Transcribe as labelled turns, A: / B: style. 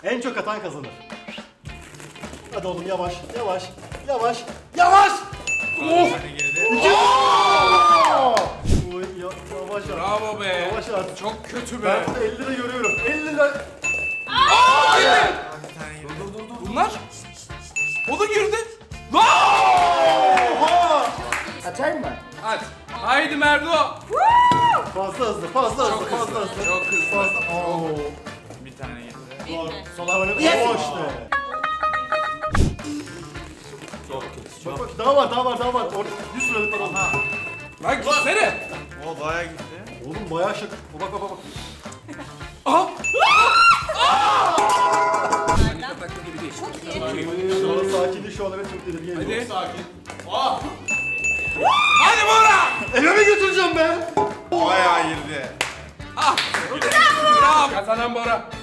A: En çok atan kazanır. Hadi oğlum yavaş, yavaş, yavaş, yavaş! Of! Oy, yavaş at.
B: Bravo be.
A: Yavaş at.
B: Çok kötü be.
A: Ben burada 50 lira görüyorum. 50 lira.
B: Bunlar? O da girdi. Lan!
A: Oha!
C: Atayım mı?
B: Hadi. Haydi Merdo.
A: Fazla hızlı, fazla hızlı,
B: Çok
A: fazla
B: hızlı.
A: hızlı.
B: Çok hızlı.
A: Fazla. Oo.
B: Bir tane getir.
A: Doğru. Sola oynadı.
C: Yes.
A: O işte. Bak bak daha var, daha var, daha var. Orada 100 liralık var. Aha.
B: Lan gitsene.
D: O bayağı gitti.
A: Oğlum bayağı şık. Bak bak bak.
B: Aha. Panik ataklı gibi değil.
E: Çok iyi.
A: Şu an sakinliği şu an evet çok tedirgin ediyor.
B: Hadi.
D: Sakin. Ah!
B: Hadi Bora.
A: Eve mi götüreceğim be?
D: Bayağı girdi.
B: Ah. Bravo. Kazanan Bora.